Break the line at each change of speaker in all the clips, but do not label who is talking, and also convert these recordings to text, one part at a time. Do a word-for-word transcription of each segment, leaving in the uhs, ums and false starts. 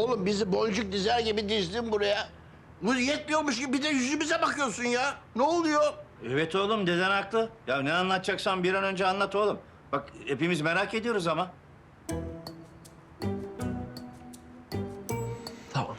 Oğlum bizi boncuk dizer gibi dizdin buraya. Bu yetmiyormuş gibi bir de yüzümüze bakıyorsun ya. Ne oluyor?
Evet oğlum, deden haklı. Ya ne anlatacaksan bir an önce anlat oğlum. Bak hepimiz merak ediyoruz ama.
Tamam.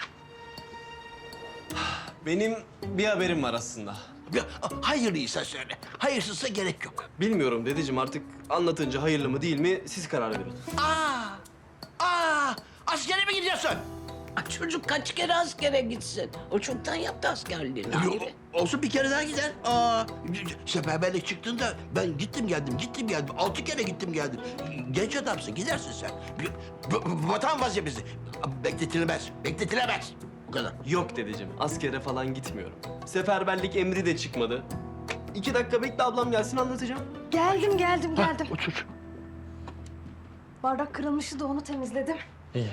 Benim bir haberim var aslında.
Ya, hayırlıysa söyle. Hayırsızsa gerek yok.
Bilmiyorum dedeciğim, artık anlatınca hayırlı mı değil mi siz karar verin.
Aa! Aa! Askere mi gidiyorsun?
Ay, çocuk kaç kere askere gitsin? O çoktan yaptı askerliğini.
Yo,
Hayri.
olsun bir kere daha gider. Aa, seferberlik çıktığında ben gittim geldim, gittim geldim. Altı kere gittim geldim. Genç adamsın, gidersin sen. Bir- bu- Vatan vazifesi. Bekletilmez, bekletilemez. Bu kadar.
Yok dedeciğim, askere falan gitmiyorum. Seferberlik emri de çıkmadı. İki dakika bekle, ablam gelsin anlatacağım.
Geldim, geldim, geldim.
Otur.
Bardak kırılmıştı da onu temizledim.
İyi.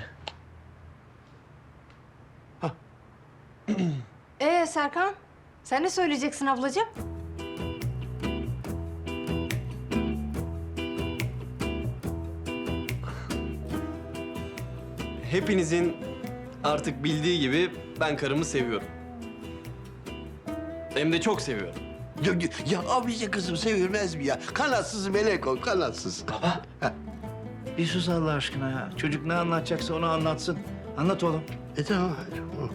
Ee Serkan, sen ne söyleyeceksin ablacığım?
Hepinizin artık bildiği gibi ben karımı seviyorum. Hem de çok seviyorum.
Ya, ya abice kızım sevilmez mi ya? Kanatsız melek ol, kanatsız.
Baba. Bir sus Allah aşkına ya. Çocuk ne anlatacaksa onu anlatsın. Anlat oğlum.
E tamam. tamam.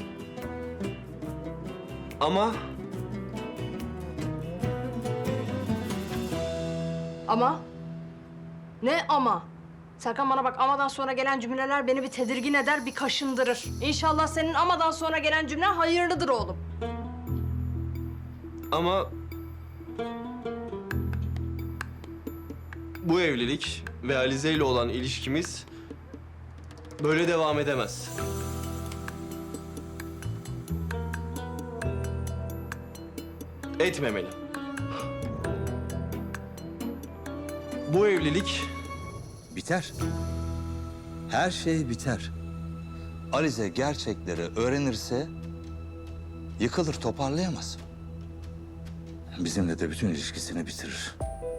Ama
Ama? Ne ama? Serkan bana bak, amadan sonra gelen cümleler beni bir tedirgin eder, bir kaşındırır. İnşallah senin amadan sonra gelen cümlen hayırlıdır oğlum.
Ama bu evlilik ve Alize ile olan ilişkimiz böyle devam edemez. Etmemeli. Bu evlilik
Biter. Her şey biter. Alize gerçekleri öğrenirse yıkılır, toparlayamaz. Bizimle de bütün ilişkisini bitirir.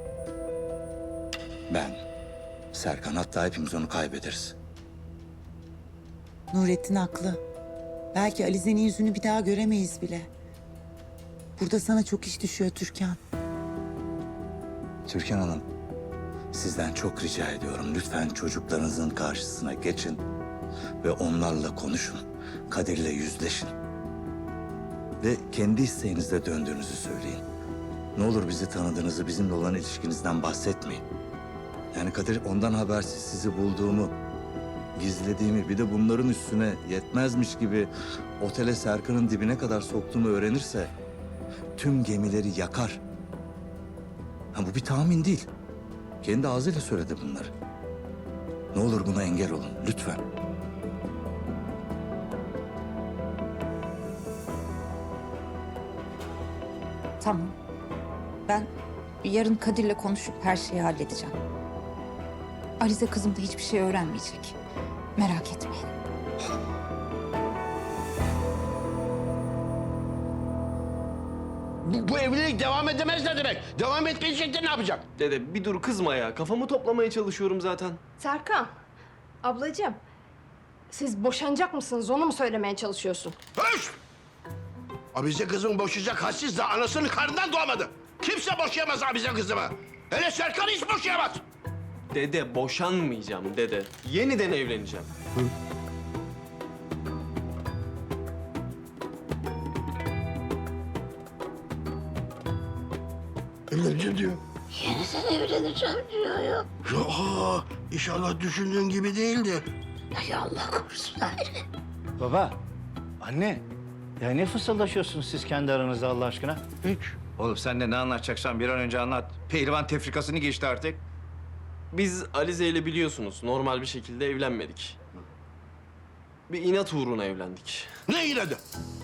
Ben, Serkan, hatta hepimiz onu kaybederiz.
Nurettin haklı. Belki Alize'nin yüzünü bir daha göremeyiz bile. Burada sana çok iş düşüyor Türkan.
Türkan Hanım, sizden çok rica ediyorum. Lütfen çocuklarınızın karşısına geçin ve onlarla konuşun. Kadir'le yüzleşin. Ve kendi isteğinizle döndüğünüzü söyleyin. Ne olur bizi tanıdığınızı, bizimle olan ilişkinizden bahsetmeyin. Yani Kadir ondan habersiz sizi bulduğumu, gizlediğimi, bir de bunların üstüne yetmezmiş gibi otele Serkan'ın dibine kadar soktuğumu öğrenirse tüm gemileri yakar. Ha, bu bir tahmin değil. Kendi ağzıyla söyledi bunları. Ne olur buna engel olun lütfen.
Tamam. Ben yarın Kadir'le konuşup her şeyi halledeceğim. Alize kızım da hiçbir şey öğrenmeyecek. Merak etmeyin.
Bu, bu evlilik devam edemez ne demek? Devam etmeyecek de ne yapacak?
dede bir dur, kızma ya. Kafamı toplamaya çalışıyorum zaten.
Serkan, ablacığım, siz boşanacak mısınız? Onu mu söylemeye çalışıyorsun?
Höş! Abize kızımı boşayacak hassiz de anasının karnından doğmadı. Kimse boşayamaz abize kızımı. Hele Serkan hiç boşayamaz.
Dede boşanmayacağım dede. Yeniden evleneceğim.
Evleneceğim diyor.
Yeniden evleneceğim diyor ya.
Ya aa, inşallah düşündüğün gibi değildi.
Ay Allah korusun Hayri.
Baba, anne. Ya ne fısıldaşıyorsunuz siz kendi aranızda Allah aşkına?
Hiç.
Oğlum sen de ne anlatacaksan bir an önce anlat. Pehlivan tefrikasını geçti artık.
Biz Alize ile biliyorsunuz normal bir şekilde evlenmedik. Bir inat uğruna evlendik.
Ne inadı?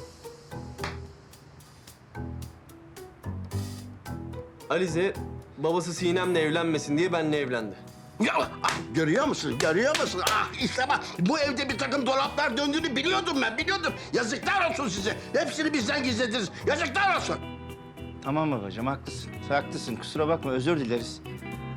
Alize babası Sinem'le evlenmesin diye benimle evlendi.
Ya, ah, görüyor musun? Görüyor musun? Ah işte bak bu evde bir takım dolaplar döndüğünü biliyordum ben, biliyordum. Yazıklar olsun size. Hepsini bizden gizlediniz. Yazıklar olsun.
Tamam babacığım, haklısın. Haklısın, kusura bakma, özür dileriz.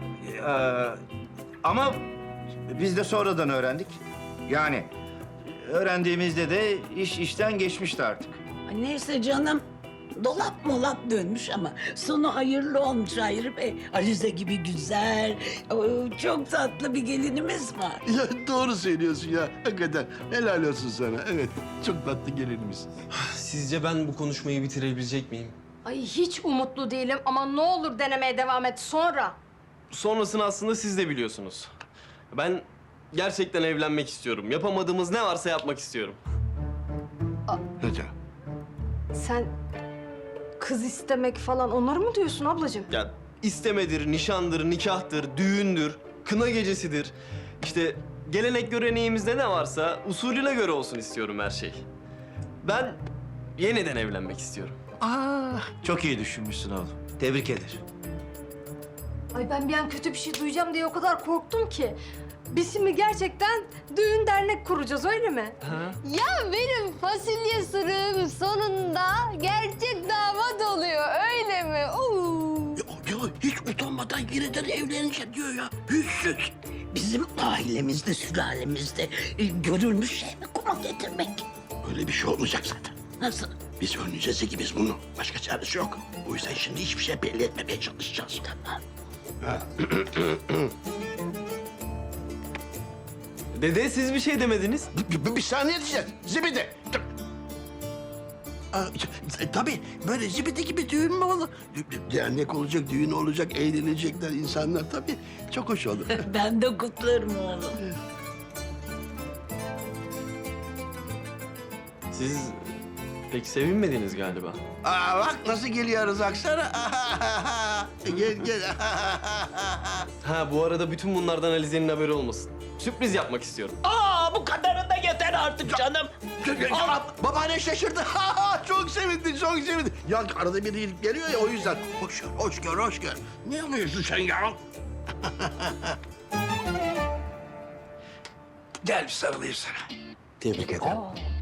Ee, ama biz de sonradan öğrendik. Yani öğrendiğimizde de iş işten geçmişti artık.
Ay neyse canım. Dolap molap dönmüş ama sonu hayırlı olmuş Hayri Bey. Alize gibi güzel, o, çok tatlı bir gelinimiz var.
Ya doğru söylüyorsun ya. Hakikaten helal olsun sana. Evet, çok tatlı gelinimiz.
Sizce ben bu konuşmayı bitirebilecek miyim?
Ay hiç umutlu değilim ama ne olur denemeye devam et sonra.
Sonrasını aslında siz de biliyorsunuz. Ben gerçekten evlenmek istiyorum. Yapamadığımız ne varsa yapmak istiyorum.
Neden?
Sen kız istemek falan onları mı diyorsun ablacığım?
Ya istemedir, nişandır, nikahtır, düğündür, kına gecesidir. İşte gelenek göreneğimizde ne varsa usulüne göre olsun istiyorum her şey. Ben yeniden evlenmek istiyorum.
Aa, çok iyi düşünmüşsün oğlum. Tebrik ederim.
Ay ben bir an kötü bir şey duyacağım diye o kadar korktum ki. Biz şimdi gerçekten düğün dernek kuracağız öyle mi?
Ha?
Ya benim fasulye sürüm sonunda gerçek damat oluyor öyle mi? Oo.
Ya, ya hiç utanmadan yeniden evlenecek diyor ya. Yüzsüz.
Bizim ailemizde, sülalemizde e, görülmüş şey mi kuma getirmek?
Öyle bir şey olmayacak zaten.
Nasıl?
Biz önleyeceğiz ki biz bunu. Başka çaresi yok. O yüzden şimdi hiçbir şey belli etmemeye çalışacağız.
Tamam.
Dede siz bir şey demediniz.
Bir, bir, bir saniye diyeceğiz. Zibidi. Dur. Aa, e, tabii böyle zibidi gibi düğün mü olur? Dernek olacak, düğün olacak, eğlenecekler insanlar tabii. Çok hoş olur.
Ben de kutlarım oğlum.
Siz pek sevinmediniz galiba.
Aa, bak nasıl geliyoruz aksana. Gel gel.
Ha bu arada bütün bunlardan Alize'nin haberi olmasın. Sürpriz yapmak istiyorum.
Aa bu kadarı da yeter artık canım.
Aa, babaanne şaşırdı. Çok sevindi, çok sevindi. Ya arada bir iyilik geliyor ya o yüzden. Hoş gör, hoş gör, hoş gör. Ne yapıyorsun sen ya? Gel bir sarılayım sana. Tebrik ederim.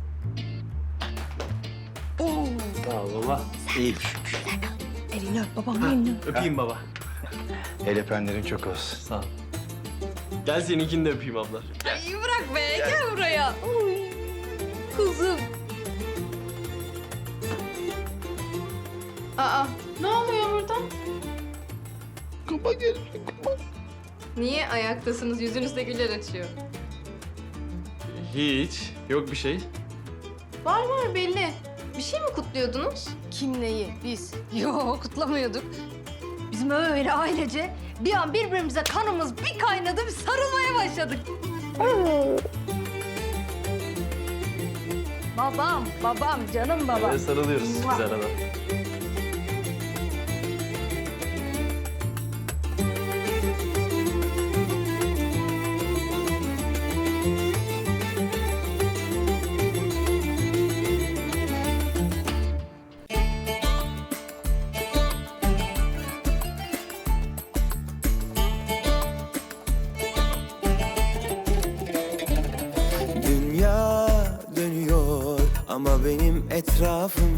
Sağ ol baba.
İyiymiş.
Elini öp babam elini.
Öpeyim baba.
El öpenlerin çok olsun.
Sağ ol. Gel seninkini de öpeyim abla.
Ay bırak be gel buraya. Uy, kuzum. Aa ne oluyor burada?
Kupa gelsin, kupa.
Niye ayaktasınız yüzünüzde güller açıyor?
Hiç. Yok bir şey.
Var var belli. Bir şey mi kutluyordunuz? Kim neyi? Biz. Yo kutlamıyorduk. Bizim öyle ailece bir an birbirimize kanımız bir kaynadı bir sarılmaya başladık. Babam, babam, canım babam.
Böyle sarılıyoruz biz
Mua.
arada.
Dünya dönüyor ama benim etrafım